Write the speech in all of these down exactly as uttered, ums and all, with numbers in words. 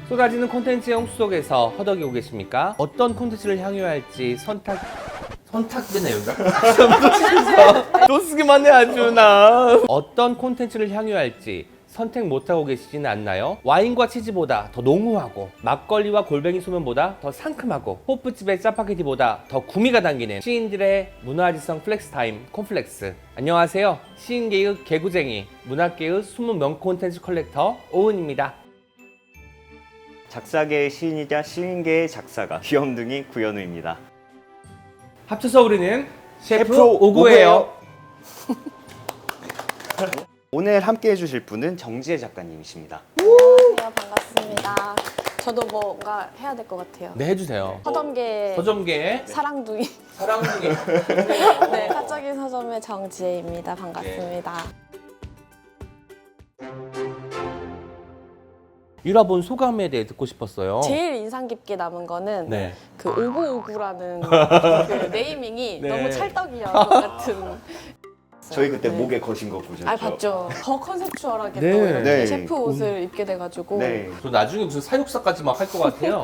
쏟아지는 콘텐츠의 홍수 속에서 허덕이고 계십니까? 어떤 콘텐츠를 향유해야 할지 선택... 선택되네 여기가? 또 쓰기만 해 아주 나. 어떤 콘텐츠를 향유해야 할지 선택 못하고 계시지는 않나요? 와인과 치즈보다 더濃후하고 막걸리와 골뱅이 소면보다 더 상큼하고 호프집의 짜파게티보다 더 구미가 당기는 시인들의 문화지성 플렉스타임 콘플렉스. 안녕하세요. 시인계의 개구쟁이, 문학계의 숨은 명 콘텐츠 컬렉터 오은입니다. 작사계의 시인이자 시인계의 작사가 귀염둥이 구현우입니다. 합쳐서 우리는 셰프, 셰프 오구예요. 오늘 함께 해주실 분은 정지혜 작가님이십니다. 안녕하세요. 반갑습니다. 저도 뭔가 해야 될 것 같아요. 네, 해주세요. 서점계 서점계의 사랑둥이. 사랑둥이. 네, 사적인 서점의 정지혜입니다. 반갑습니다. 읽어본 소감에 대해 듣고 싶었어요. 제일 인상 깊게 남은 거는 네. 그 오구오구라는 그 네이밍이 네. 너무 찰떡이야 것 같은. 저희 그때 네. 목에 거신 거 보셨죠? 아, 봤죠. 더 컨셉추얼하게 네. 또 이렇게 네. 셰프 옷을 입게 돼가지고. 네. 저 나중에 무슨 사육사까지 막 할 것 같아요.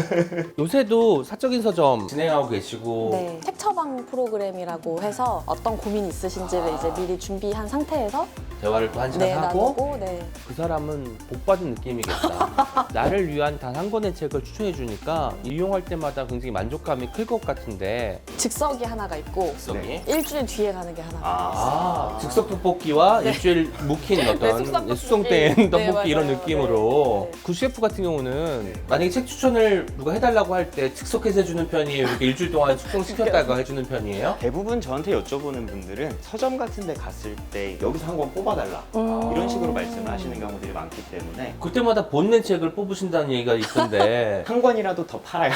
요새도 사적인 서점 진행하고 계시고 네, 책 처방 프로그램이라고 해서 어떤 고민이 있으신지를 이제 미리 준비한 상태에서 대화를 또 한 시간 네, 하고 나누고 네. 그 사람은 복 받은 느낌이겠다. 나를 위한 단 한 권의 책을 추천해 주니까 이용할 때마다 굉장히 만족감이 클 것 같은데 즉석이 하나가 있고 즉석이 일주일 뒤에 가는 게 하나가 있어요. 아, 즉석 떡볶이와 일주일 묵힌 어떤 네, 숙성 떡볶이. 숙성된 네, 떡볶이 이런 맞아요. 느낌으로 네. 그 셰프 같은 경우는 만약에 책 추천을 누가 해달라고 할 때 즉석해서 해주는 편이에요? 이렇게 일주일 동안 숙성시켰다가 해주는 편이에요? 대부분 저한테 여쭤보는 분들은 서점 같은 데 갔을 때 여기서 한 권 뽑아달라 음. 이런 식으로 말씀을 하시는 경우들이 많기 때문에 그때마다 본낸 책을 뽑으신다는 얘기가 있던데 한 권이라도 더 팔아요.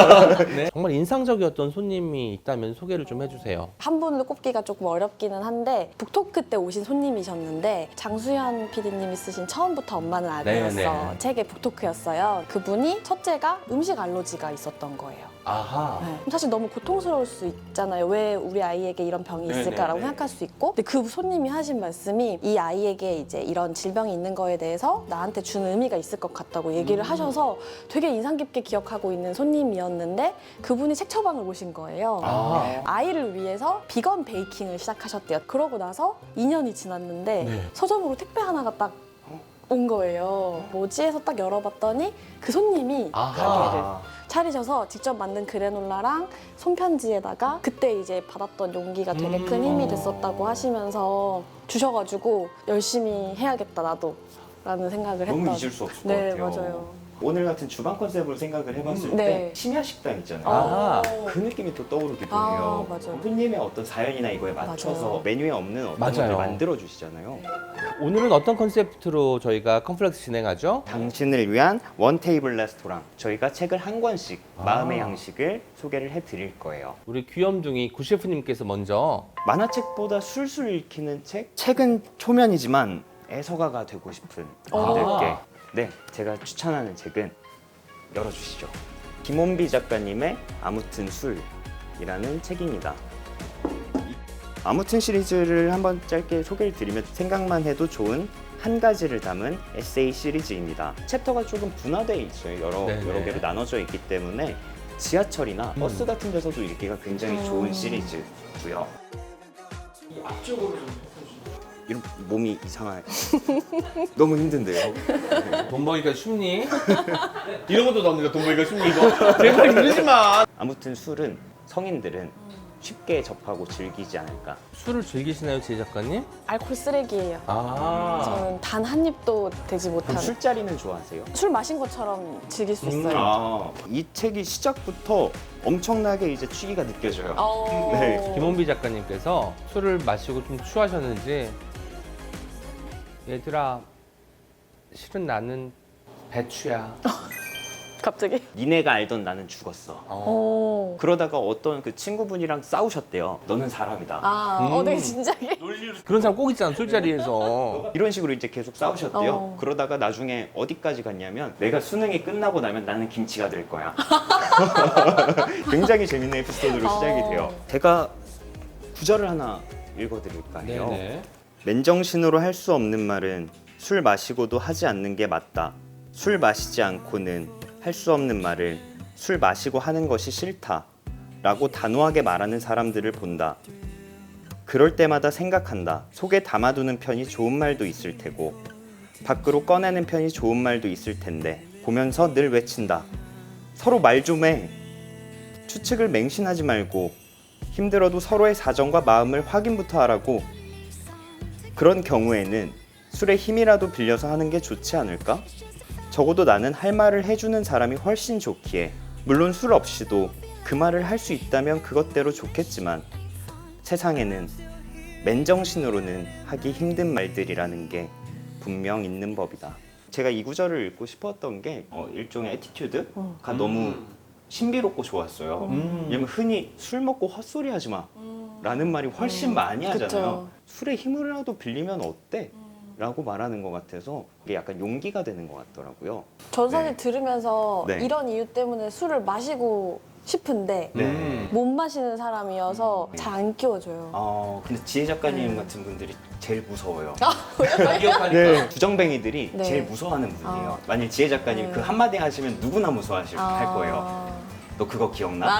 네. 정말 인상적이었던 손님이 있다면 소개를 좀 해주세요. 한 분을 꼽기가 조금 어렵기는 한데 북토크 때 오신 손님이셨는데 장수현 피디님이 쓰신 처음부터 엄마는 아기였어 네네. 책의 북토크였어요. 그분이 첫째가 음식 알러지가 있었던 거예요. 아하. 네. 사실 너무 고통스러울 수 있잖아요. 왜 우리 아이에게 이런 병이 있을까라고 네네네. 생각할 수 있고, 근데 그 손님이 하신 말씀이 이 아이에게 이제 이런 질병이 있는 거에 대해서 나한테 주는 의미가 있을 것 같다고 얘기를 음. 하셔서 되게 인상 깊게 기억하고 있는 손님이었는데 그분이 책 처방을 오신 거예요. 아. 아이를 위해서 비건 베이킹을 시작하셨대요. 그러고 나서 이 년이 지났는데 네. 서점으로 택배 하나가 딱 온 거예요. 뭐지 해서 딱 열어봤더니 그 손님이 아하. 가게를 차리셔서 직접 만든 그래놀라랑 손편지에다가 그때 이제 받았던 용기가 되게 큰 힘이 됐었다고 하시면서 주셔가지고 열심히 해야겠다 나도 라는 생각을 했던. 너무 잊을 수 없을 것 네, 같아요. 맞아요. 오늘 같은 주방 컨셉으로 생각을 해봤을 네. 때 심야 식당 있잖아요. 아. 그 느낌이 또 떠오르기도 아, 해요. 맞아요. 손님의 어떤 사연이나 이거에 맞춰서 맞아요. 메뉴에 없는 어떤 맞아요. 것을 만들어 주시잖아요. 오늘은 어떤 컨셉트로 저희가 컴플렉스 진행하죠? 당신을 위한 원 테이블 레스토랑. 저희가 책을 한 권씩 아. 마음의 양식을 소개를 해드릴 거예요. 우리 귀염둥이 구 셰프님께서 먼저 만화책보다 술술 읽히는 책? 책은 초면이지만 애서가가 되고 싶은 분들께 아. 네, 제가 추천하는 책은 열어주시죠. 김원비 작가님의 아무튼 술이라는 책입니다. 이 아무튼 시리즈를 한번 짧게 소개를 드리면 생각만 해도 좋은 한 가지를 담은 에세이 시리즈입니다. 챕터가 조금 분화되어 있어요. 여러, 네네. 여러 개로 나눠져 있기 때문에 지하철이나 음. 버스 같은 데서도 읽기가 굉장히 좋은 음. 시리즈고요. 앞쪽으로 좀 이런 몸이 이상한 너무 힘든데요. 돈 벌기가 쉽니? 이런 것도 나옵니다. 돈 벌기가 쉽니 이거? 제발 이러지 마. 아무튼 술은 성인들은 쉽게 접하고 즐기지 않을까. 술을 즐기시나요, 제 작가님? 알코올 쓰레기예요. 아. 저는 단 한 입도 되지 못한. 그럼 술자리는 좋아하세요? 술 마신 것처럼 즐길 수 있어요. 아, 이 책이 시작부터 엄청나게 이제 취기가 느껴져요. 어... 네, 김원비 작가님께서 술을 마시고 좀 취하셨는지 얘들아 실은 나는 배추야. 갑자기? 니네가 알던 나는 죽었어. 어. 오. 그러다가 어떤 그 친구분이랑 싸우셨대요. 너는 사람이다. 아, 음. 어, 되게 진작에. 그런 사람 꼭 있잖아 술자리에서. 이런 식으로 이제 계속 싸우셨대요. 어. 그러다가 나중에 어디까지 갔냐면 내가 수능이 끝나고 나면 나는 김치가 될 거야. 굉장히 재밌는 에피소드로 시작이 어. 돼요. 제가 구절을 하나 읽어드릴까 해요. 네네. 맨정신으로 할 수 없는 말은 술 마시고도 하지 않는 게 맞다. 술 마시지 않고는 할 수 없는 말을 술 마시고 하는 것이 싫다 라고 단호하게 말하는 사람들을 본다. 그럴 때마다 생각한다. 속에 담아두는 편이 좋은 말도 있을 테고 밖으로 꺼내는 편이 좋은 말도 있을 텐데 보면서 늘 외친다. 서로 말 좀 해. 추측을 맹신하지 말고 힘들어도 서로의 사정과 마음을 확인부터 하라고. 그런 경우에는 술의 힘이라도 빌려서 하는 게 좋지 않을까? 적어도 나는 할 말을 해주는 사람이 훨씬 좋기에 물론 술 없이도 그 말을 할 수 있다면 그것대로 좋겠지만 세상에는 맨정신으로는 하기 힘든 말들이라는 게 분명 있는 법이다. 제가 이 구절을 읽고 싶었던 게 어, 일종의 애티튜드가 너무 신비롭고 좋았어요. 음. 왜냐면 흔히 술 먹고 헛소리 하지 마 라는 말이 훨씬 많이 하잖아요. 그쵸. 술의 힘이라도 빌리면 어때? 라고 말하는 것 같아서 이게 약간 용기가 되는 것 같더라고요. 전 사실 네. 들으면서 네. 이런 이유 때문에 술을 마시고 싶은데 네. 음. 못 마시는 사람이어서 잘 안 끼워줘요. 어, 근데 지혜 작가님 네. 같은 분들이 제일 무서워요. 기억하니까. 네. 주정뱅이들이 네. 제일 무서워하는 분이에요. 아. 만약 지혜 작가님 네. 그 한마디 하시면 누구나 무서워하실 아. 할 거예요. 너 그거 기억나? 아,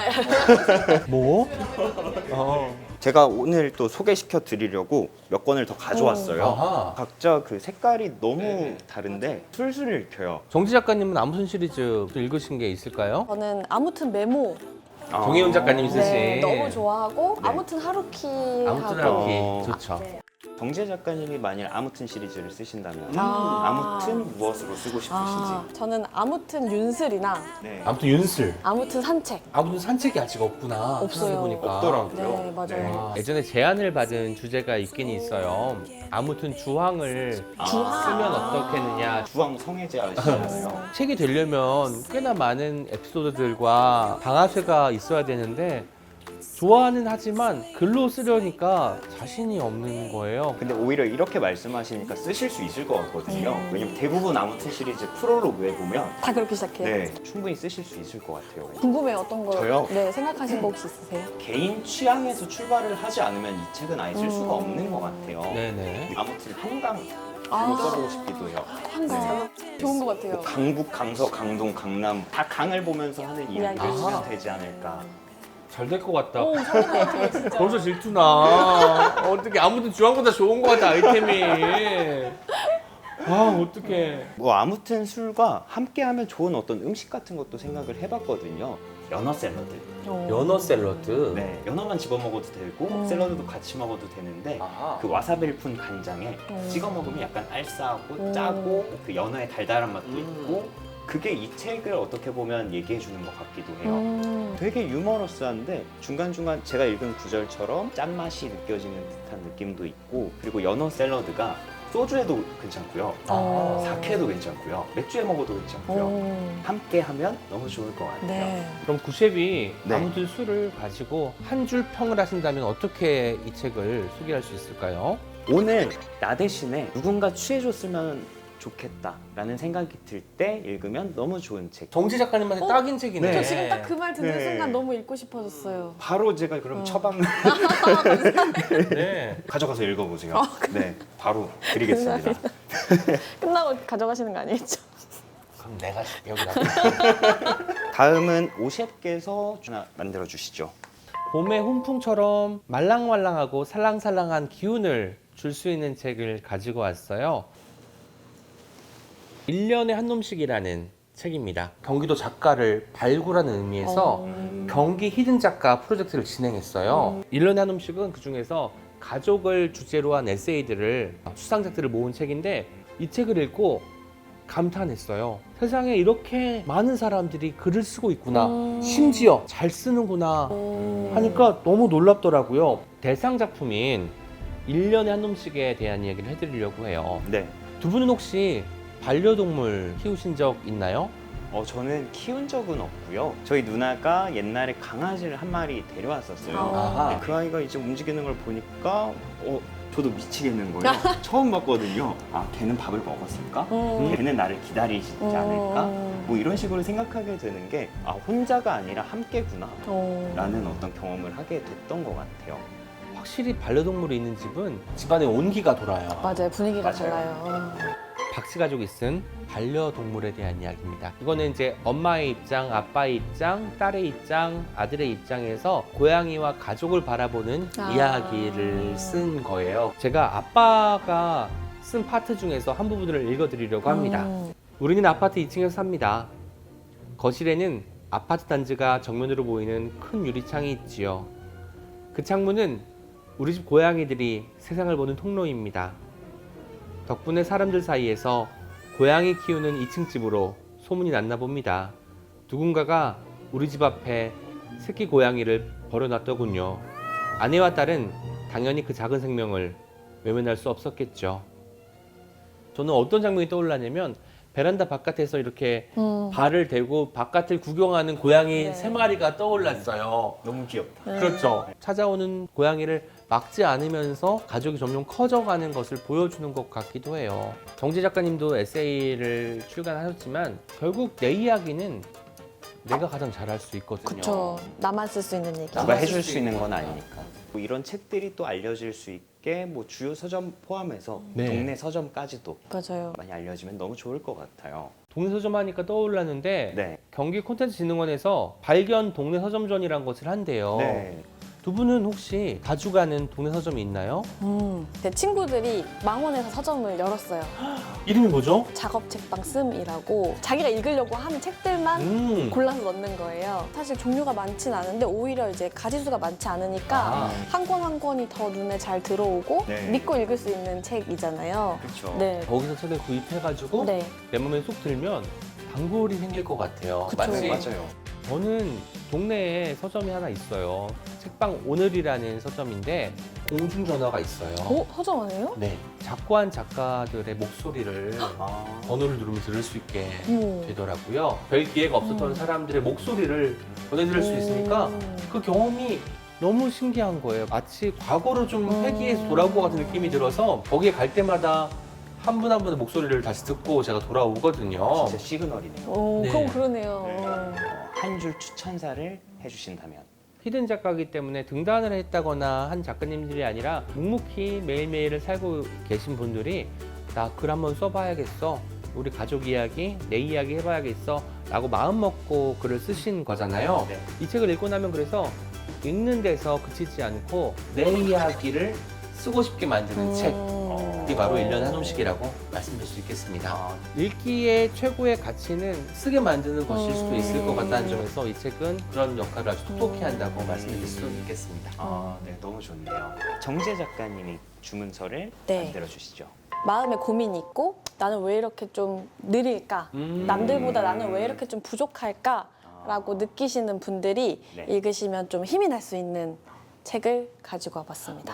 뭐? 어. 제가 오늘 또 소개시켜 드리려고 몇 권을 더 가져왔어요. 아하. 각자 그 색깔이 너무 네. 다른데 술술 읽혀요. 정지 작가님은 아무튼 시리즈 또 읽으신 게 있을까요? 저는 아무튼 메모 아. 정혜윤 작가님이 쓰신. 네, 너무 좋아하고 네. 아무튼 하루키 아무튼 하고 하루키 어. 좋죠. 네. 정재 작가님이 만일 아무튼 시리즈를 쓰신다면 아. 아무튼 무엇으로 쓰고 싶으신지. 아, 저는 아무튼 윤슬이나 네. 아무튼 윤슬. 아무튼 산책 아무튼 산책이 아직 없구나. 없어요. 보니까. 없더라고요. 네, 맞아요. 아, 예전에 제안을 받은 주제가 있긴 있어요. 아무튼 주황을 주황. 쓰면 어떻겠느냐. 주황 성애자 아시잖아요. 책이 되려면 꽤나 많은 에피소드들과 방아쇠가 있어야 되는데 좋아는 하지만 글로 쓰려니까 자신이 없는 거예요. 근데 오히려 이렇게 말씀하시니까 쓰실 수 있을 것 같거든요. 음. 왜냐면 대부분 아무튼 시리즈 프롤로그에 보면 다 그렇게 시작해요. 네, 충분히 쓰실 수 있을 것 같아요. 궁금해요. 어떤 거 저요? 네, 생각하신 거 혹시 있으세요? 개인 취향에서 출발을 하지 않으면 이 책은 아예 쓸 수가 음. 없는 것 같아요. 네네. 아무튼 한강 아. 로 써보고 싶기도 해요. 한강 좋은 것 같아요. 뭐 강북, 강서, 강동, 강남 다 강을 보면서 하는 이야기를 이야기. 쓰면 아하. 되지 않을까. 잘 될 것 같다. 오, 잘될 것 같아요, 진짜. 벌써 질투나. 어떻게 아무튼 주황보다 좋은 것 같아 아이템이. 아 어떡해. 뭐 아무튼 술과 함께하면 좋은 어떤 음식 같은 것도 생각을 해봤거든요. 연어 샐러드. 어. 연어 샐러드. 네, 연어만 집어 먹어도 되고 음. 샐러드도 같이 먹어도 되는데 아하. 그 와사비를 푼 간장에 음. 찍어 먹으면 약간 알싸하고 음. 짜고 그 연어의 달달한 맛도 음. 있고 그게 이 책을 어떻게 보면 얘기해 주는 것 같기도 해요. 음. 되게 유머러스한데 중간중간 제가 읽은 구절처럼 짠맛이 느껴지는 듯한 느낌도 있고 그리고 연어 샐러드가 소주에도 괜찮고요. 어. 사케도 괜찮고요. 맥주에 먹어도 괜찮고요. 오. 함께 하면 너무 좋을 것 같아요. 네. 그럼 구셰비 네. 아무튼 술을 가지고 한 줄 평을 하신다면 어떻게 이 책을 소개할 수 있을까요? 오늘 나 대신에 누군가 취해줬으면 좋겠다라는 생각이 들 때 읽으면 너무 좋은 책. 정지 작가님한테 어? 딱인 책이네. 저 지금 딱 그 말 듣는 네. 순간 너무 읽고 싶어졌어요. 바로 제가 그럼 어. 처방 네. 가져가서 읽어보세요. 어, 네, 바로 드리겠습니다. 끝나고 가져가시는 거 아니겠죠? 그럼 내가 여기다. 다음은 오셰프께서 하나 만들어 주시죠. 봄의 훈풍처럼 말랑말랑하고 살랑살랑한 기운을 줄 수 있는 책을 가지고 왔어요. 일 년에 한 놈씩이라는 책입니다. 경기도 작가를 발굴하는 의미에서 어. 경기 히든 작가 프로젝트를 진행했어요. 일 년에 한 놈씩은 그 중에서 가족을 주제로 한 에세이들을 수상작들을 모은 책인데 이 책을 읽고 감탄했어요. 세상에 이렇게 많은 사람들이 글을 쓰고 있구나. 음. 심지어 잘 쓰는구나. 음. 하니까 너무 놀랍더라고요. 대상 작품인 일 년에 한 놈씩에 대한 이야기를 해드리려고 해요. 네. 두 분은 혹시 반려동물 키우신 적 있나요? 어, 저는 키운 적은 없고요. 저희 누나가 옛날에 강아지를 한 마리 데려왔었어요. 아하. 근데 그 아이가 이제 움직이는 걸 보니까 어, 저도 미치겠는 거예요. 처음 봤거든요. 아, 걔는 밥을 먹었을까? 음. 걔는 나를 기다리지 않을까? 음. 뭐 이런 식으로 생각하게 되는 게 아, 혼자가 아니라 함께구나 어. 라는 어떤 경험을 하게 됐던 것 같아요. 확실히 반려동물이 있는 집은 집안에 온기가 돌아요. 맞아요. 분위기가 맞아요. 달라요. 박씨 가족이 쓴 반려동물에 대한 이야기입니다. 이거는 이제 엄마의 입장, 아빠의 입장, 딸의 입장, 아들의 입장에서 고양이와 가족을 바라보는 아. 이야기를 쓴 거예요. 제가 아빠가 쓴 파트 중에서 한 부분을 읽어드리려고 합니다. 음. 우리는 아파트 이 층에서 삽니다. 거실에는 아파트 단지가 정면으로 보이는 큰 유리창이 있지요. 그 창문은 우리 집 고양이들이 세상을 보는 통로입니다. 덕분에 사람들 사이에서 고양이 키우는 이 층 집으로 소문이 났나 봅니다. 누군가가 우리 집 앞에 새끼 고양이를 버려놨더군요. 아내와 딸은 당연히 그 작은 생명을 외면할 수 없었겠죠. 저는 어떤 장면이 떠올랐냐면 베란다 바깥에서 이렇게 음. 발을 대고 바깥을 구경하는 고양이 네. 세 마리가 떠올랐어요. 너무 귀엽다. 네. 그렇죠. 찾아오는 고양이를 막지 않으면서 가족이 점점 커져가는 것을 보여주는 것 같기도 해요. 정재 작가님도 에세이를 출간하셨지만 결국 내 이야기는 내가 가장 잘할 수 있거든요. 그쵸. 나만 쓸 수 있는 얘기. 누가 나만 해줄 쓸 수 수 있는 있는 건 거죠. 아니니까. 뭐 이런 책들이 또 알려질 수 있게 뭐 주요 서점 포함해서 네. 동네 서점까지도 맞아요. 많이 알려지면 너무 좋을 것 같아요. 동네 서점 하니까 떠올랐는데 네. 경기 콘텐츠진흥원에서 발견 동네 서점전이라는 것을 한대요. 네. 두 분은 혹시 자주 가는 동네 서점이 있나요? 음. 제 친구들이 망원에서 서점을 열었어요. 이름이 뭐죠? 작업 책방 씀이라고 자기가 읽으려고 하는 책들만 음. 골라서 넣는 거예요. 사실 종류가 많진 않은데 오히려 이제 가지수가 많지 않으니까 아. 한 권 한 권이 더 눈에 잘 들어오고 네. 믿고 읽을 수 있는 책이잖아요. 그렇죠. 네. 거기서 책을 구입해가지고 네. 내 몸에 쏙 들면 단골이 생길 것 같아요. 그쵸. 네, 마치 맞아요. 저는 동네에 서점이 하나 있어요. 책방 오늘이라는 서점인데 공중전화가 있어요. 어? 서점 아니에요? 네, 작고한 작가들의 목소리를 아. 번호를 누르면 들을 수 있게 어머. 되더라고요. 별 기회가 없었던 음. 사람들의 목소리를 전해드릴 수 있으니까 음. 그 경험이 너무 신기한 거예요. 마치 과거로 좀 음. 회귀해서 돌아온 것 같은 느낌이 들어서 거기에 갈 때마다 한 분 한 분의 목소리를 다시 듣고 제가 돌아오거든요. 진짜 시그널이네요. 오, 네. 그럼 그러네요. 네. 한 줄 추천사를 해주신다면. 히든 작가이기 때문에 등단을 했다거나 한 작가님들이 아니라 묵묵히 매일매일을 살고 계신 분들이 나 글 한번 써봐야겠어. 우리 가족 이야기, 내 이야기 해봐야겠어. 라고 마음 먹고 글을 쓰신 거잖아요. 네. 이 책을 읽고 나면 그래서 읽는 데서 그치지 않고 내 이야기를 쓰고 싶게 만드는 책. 이게 바로 일 년에 한 권씩이라고 말씀드릴 수 있겠습니다. 아, 읽기의 최고의 가치는 쓰게 만드는 것일 수도 있을 것 같다는 음. 점에서 이 책은 그런 역할을 아주 톡톡히 음. 한다고 말씀드릴 수 있겠습니다. 아, 네, 너무 좋네요. 정재 작가님이 주문서를 네. 만들어 주시죠. 마음에 고민이 있고 나는 왜 이렇게 좀 느릴까? 음. 남들보다 나는 왜 이렇게 좀 부족할까? 아. 라고 느끼시는 분들이 네. 읽으시면 좀 힘이 날 수 있는 책을 가지고 와봤습니다.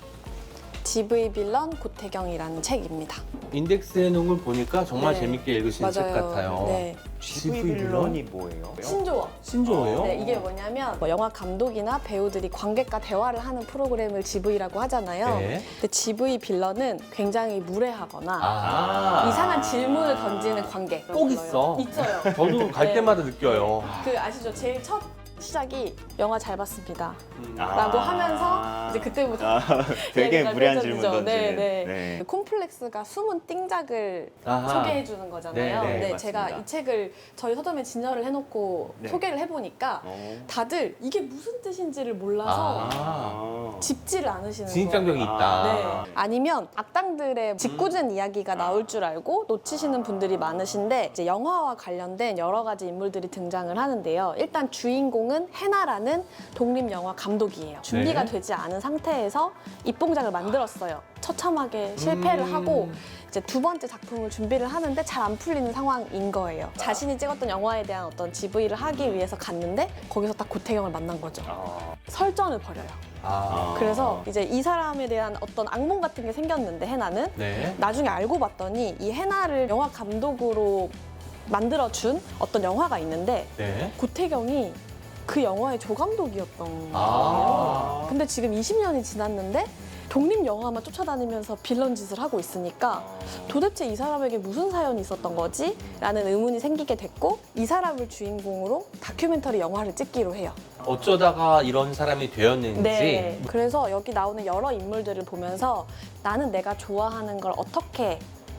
지브이 빌런 고태경이라는 책입니다. 인덱스해 놓은 걸 보니까 정말 네. 재밌게 읽으신 책 같아요. 네. 지브이 지브이 빌런이 뭐예요? 신조어. 신조어예요? 네, 이게 뭐냐면 뭐 영화 감독이나 배우들이 관객과 대화를 하는 프로그램을 지브이라고 하잖아요. 네. 근데 지브이 빌런은 굉장히 무례하거나 아. 이상한 질문을 던지는 관객. 꼭 있어. 있어요. 저도 갈 네. 때마다 느껴요. 그 아시죠? 제일 첫 시작이 영화 잘 봤습니다. 음. 아. 라고 하면서 이제 그때부터 아, 되게 얘기가 무례한 펼쳐지죠. 질문 던지는. 네, 네. 콤플렉스가 숨은 띵작을 아하. 소개해 주는 거잖아요. 네, 네, 근데 맞습니다. 제가 이 책을 저희 서점에 진열을 해놓고 네. 소개를 해보니까 어. 다들 이게 무슨 뜻인지를 몰라서 아. 아. 짚지를 않으시는 진입장벽이 거예요. 있다. 네. 아니면 악당들의 짓궂은 이야기가 나올 줄 알고 놓치시는 분들이 많으신데 이제 영화와 관련된 여러 가지 인물들이 등장을 하는데요. 일단 주인공은 해나라는 독립 영화 감독이에요. 준비가 네. 되지 않은 상태에서 입봉작을 만들었어요. 처참하게 실패를 음. 하고 이제 두 번째 작품을 준비를 하는데 잘 안 풀리는 상황인 거예요. 자신이 찍었던 영화에 대한 어떤 지브이를 하기 위해서 갔는데 거기서 딱 고태경을 만난 거죠. 아. 설전을 벌여요. 아. 그래서 이제 이 사람에 대한 어떤 악몽 같은 게 생겼는데 해나는 네. 나중에 알고 봤더니 이 해나를 영화 감독으로 만들어준 어떤 영화가 있는데 네. 고태경이 그 영화의 조감독이었던 거예요. 아. 근데 지금 이십 년이 지났는데 독립 영화만 쫓아다니면서 빌런 짓을 하고 있으니까 도대체 이 사람에게 무슨 사연이 있었던 거지? 라는 의문이 생기게 됐고 이 사람을 주인공으로 다큐멘터리 영화를 찍기로 해요. 어쩌다가 이런 사람이 되었는지. 네. 그래서 여기 나오는 여러 인물들을 보면서 나는 내가 좋아하는 걸 어떻게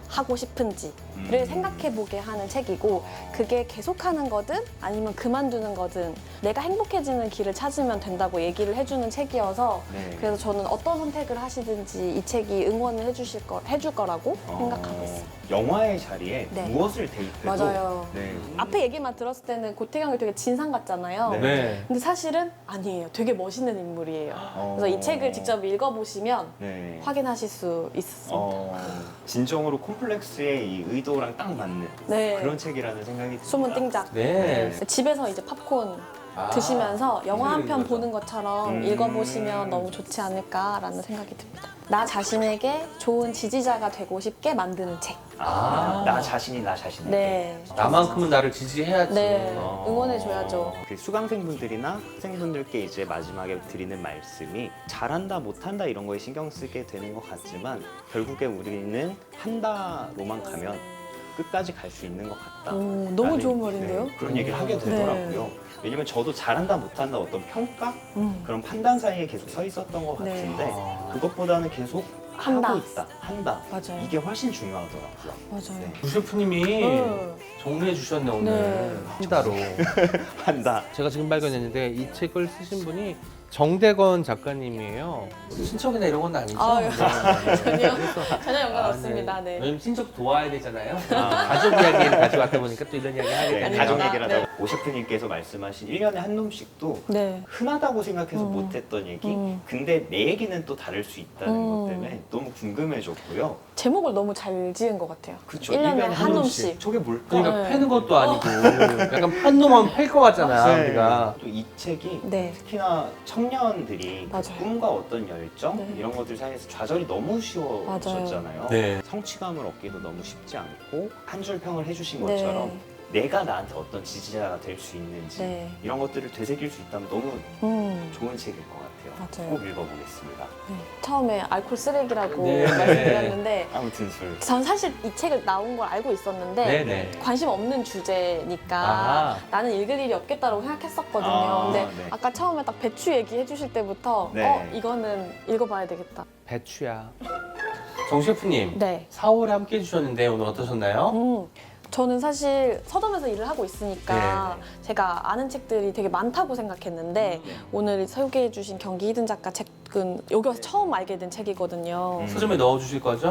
하고 싶은지를 음. 생각해보게 하는 책이고 그게 계속하는 거든 아니면 그만두는 거든 내가 행복해지는 길을 찾으면 된다고 얘기를 해주는 책이어서 네. 그래서 저는 어떤 선택을 하시든지 이 책이 응원을 해주실 거, 해줄 거라고 어, 생각하고 있어요. 영화의 자리에 네. 무엇을 대입해도 맞아요. 네. 앞에 얘기만 들었을 때는 고태경이 되게 진상 같잖아요. 네. 네. 근데 사실은 아니에요. 되게 멋있는 인물이에요. 어. 그래서 이 책을 직접 읽어보시면 네. 확인하실 수 있습니다. 어, 진정으로 콤플렉스의 이 의도랑 딱 맞는 네. 그런 책이라는 생각이 듭니다. 숨은 띵작. 네. 집에서 이제 팝콘 아, 드시면서 영화 한 편 거죠. 보는 것처럼 음. 읽어보시면 너무 좋지 않을까라는 생각이 듭니다. 나 자신에게 좋은 지지자가 되고 싶게 만드는 책. 아, 아. 나 자신이 나 자신에게. 네. 나만큼은 나를 지지해야지. 네. 어. 응원해줘야죠. 그 수강생분들이나 학생분들께 이제 마지막에 드리는 말씀이 잘한다 못한다 이런 거에 신경 쓰게 되는 것 같지만 결국에 우리는 한다로만 가면 끝까지 갈 수 있는 것 같다. 오, 너무 라는, 좋은 말인데요? 네, 그런 얘기를 하게 되더라고요. 왜냐면 저도 잘한다 못한다 어떤 평가 음. 그런 판단 사이에 계속 서 있었던 것 네. 같은데 아. 그것보다는 계속 한다. 하고 있다, 한다. 맞아요. 이게 훨씬 중요하더라고요. 맞아요. 네. 구 셰프님이 음. 정리해 주셨네 오늘. 네. 한다로. 한다. 제가 지금 발견했는데 이 책을 쓰신 분이 정대건 작가님이에요. 친척이나 이런 건 아니죠? 아, 네. 전혀 그래서 전혀 연관 아, 없습니다. 네. 왜냐면 친척 도와야 되잖아요. 아. 가족 이야기를 가져왔다 보니까 또 이런 이야기 하게 네, 되네요. 가족 아닙니다. 얘기를 네. 하다가 오 셰프님께서 말씀하신 일 년에 한 놈씩도 네. 흔하다고 생각해서 음. 못했던 얘기 음. 근데 내 얘기는 또 다를 수 있다는 음. 것 때문에 너무 궁금해졌고요. 제목을 너무 잘 지은 것 같아요. 그쵸? 일 년에 일년에 한 놈씩. 저게 뭘까? 그러니까 네. 패는 것도 아니고 약간 판 놈은 팰 것 같잖아 우리가. 또 이 책이 네. 특히나 청년들이 그 맞아요. 꿈과 어떤 열정 네. 이런 것들 사이에서 좌절이 너무 쉬워졌잖아요. 네. 성취감을 얻기도 너무 쉽지 않고 한 줄 평을 해주신 네. 것처럼 내가 나한테 어떤 지지자가 될 수 있는지 네. 이런 것들을 되새길 수 있다면 너무 음. 좋은 책일 것 같아요. 맞아요. 꼭 읽어보겠습니다. 네. 처음에 알코올 쓰레기라고 네. 말씀드렸는데 아무튼 술. 전 사실 이 책을 나온 걸 알고 있었는데 네네. 관심 없는 주제니까 아. 나는 읽을 일이 없겠다고 생각했었거든요. 아, 근데 네. 아까 처음에 딱 배추 얘기해 주실 때부터 네. 어 이거는 읽어봐야 되겠다. 배추야. 정 셰프님 네. 사월에 함께 해주셨는데 오늘 어떠셨나요? 음, 저는 사실 서점에서 일을 하고 있으니까 네. 제가 아는 책들이 되게 많다고 생각했는데 오늘 소개해 주신 경기 히든 작가 책은 여기 와서 처음 알게 된 책이거든요. 음. 서점에 넣어주실 거죠?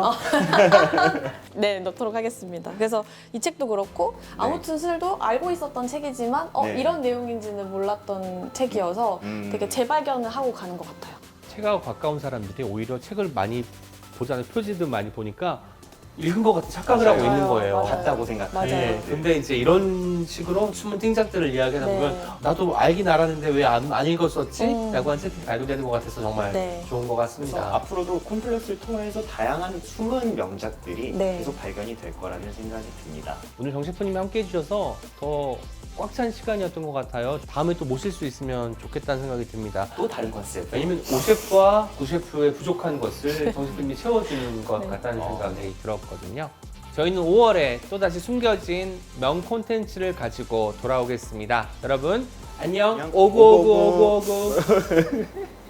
네, 넣도록 하겠습니다. 그래서 이 책도 그렇고 아무튼 술도 알고 있었던 책이지만 어, 네. 이런 내용인지는 몰랐던 책이어서 음. 되게 재발견을 하고 가는 것 같아요. 책하고 가까운 사람들이 오히려 책을 많이 보잖아요. 표지도 많이 보니까 읽은 것 같은 착각을 하고 맞아요. 있는 거예요. 맞아요. 같다고 생각해요. 맞아요. 네, 근데 이제 이런 식으로 숨은 띵작들을 이야기하다 네. 보면 나도 알긴 알았는데 왜 안 안 읽었었지? 음. 라고 한 책이 발견되는 것 같아서 정말 네. 좋은 것 그래서 같습니다. 앞으로도 콤플렉스를 통해서 다양한 숨은 명작들이 네. 계속 발견이 될 거라는 생각이 듭니다. 오늘 정 셰프님이 함께 해주셔서 더 꽉 찬 시간이었던 것 같아요. 다음에 또 모실 수 있으면 좋겠다는 생각이 듭니다. 또 다른 컨셉. 왜냐면 오 셰프와 구 셰프의 부족한 것을 정 셰프님이 채워주는 것 네. 같다는 어. 생각이 들었거든요. 저희는 오월에 또다시 숨겨진 명 콘텐츠를 가지고 돌아오겠습니다. 여러분 안녕. 안녕. 오구오구오구오구.